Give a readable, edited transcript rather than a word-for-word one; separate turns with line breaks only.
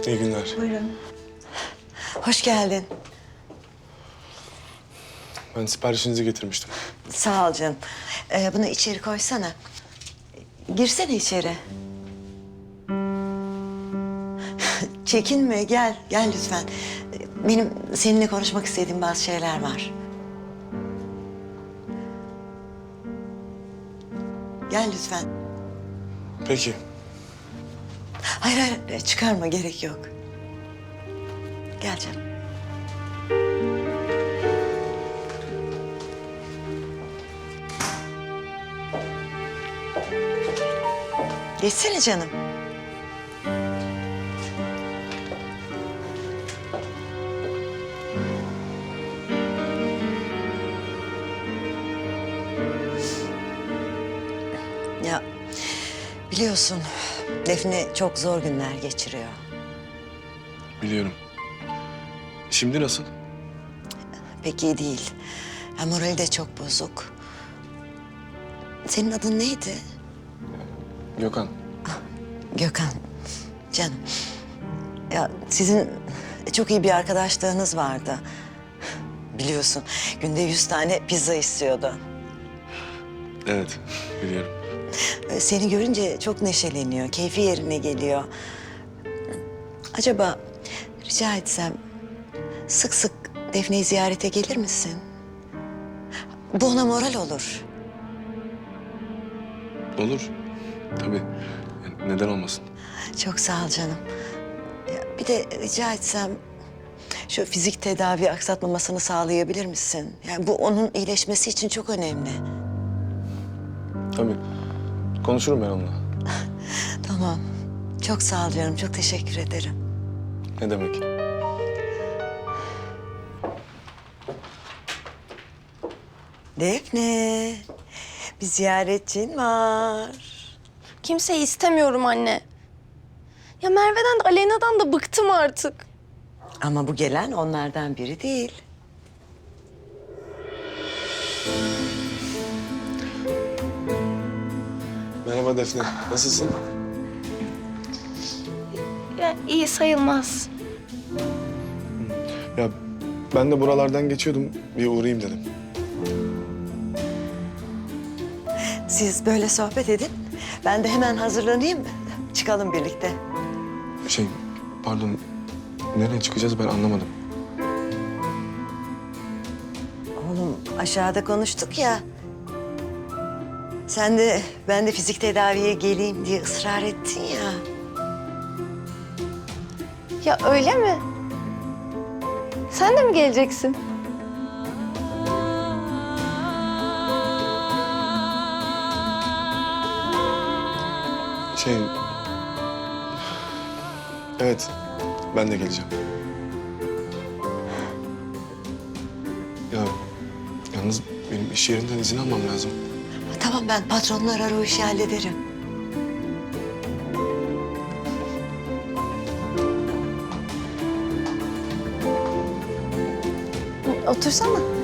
İyi günler.
Buyurun. Hoş geldin.
Ben siparişinizi getirmiştim.
Sağ ol canım. Bunu içeri koysana. Girsene içeri. Çekinme, gel. Gel lütfen. Benim seninle konuşmak istediğim bazı şeyler var. Gel lütfen.
Peki.
Hayır, hayır. Çıkarma, gerek yok. Gel canım. Geçsene canım. Ya biliyorsun Defne çok zor günler geçiriyor.
Biliyorum. Şimdi nasıl?
Pek iyi değil. Ya, morali de çok bozuk. Senin adın neydi?
Gökhan.
Gökhan. Canım. Ya sizin çok iyi bir arkadaşlığınız vardı. Biliyorsun günde 100 tane pizza istiyordu.
Evet, biliyorum.
Seni görünce çok neşeleniyor, keyfi yerine geliyor. Acaba rica etsem sık sık Defne'yi ziyarete gelir misin? Bu ona moral olur.
Olur. Tabii. Yani neden olmasın?
Çok sağ ol canım. Ya, bir de rica etsem şu fizik tedavi aksatmamasını sağlayabilir misin? Yani bu onun iyileşmesi için çok önemli.
Tabii. Konuşurum ben onunla.
Tamam. Çok sağ ol canım. Çok teşekkür ederim.
Ne demek?
Defne, bir ziyaretçin var.
Kimseyi istemiyorum anne. Ya Merve'den de Aleyna'dan da bıktım artık.
Ama bu gelen onlardan biri değil.
Merhaba Defne. Nasılsın?
Ya iyi sayılmaz.
Ya ben de buralardan geçiyordum. Bir uğrayayım dedim.
Siz böyle sohbet edin. Ben de hemen hazırlanayım. Çıkalım birlikte.
Pardon. Nereye çıkacağız ben anlamadım.
Oğlum aşağıda konuştuk ya. Sen de ben de fizik tedaviye geleyim diye ısrar ettin ya.
Ya öyle mi? Sen de mi geleceksin?
Evet. Ben de geleceğim. Ya yalnız benim iş yerinden izin almam lazım.
Tamam, ben patronunu arar o işi hallederim.
Otursana.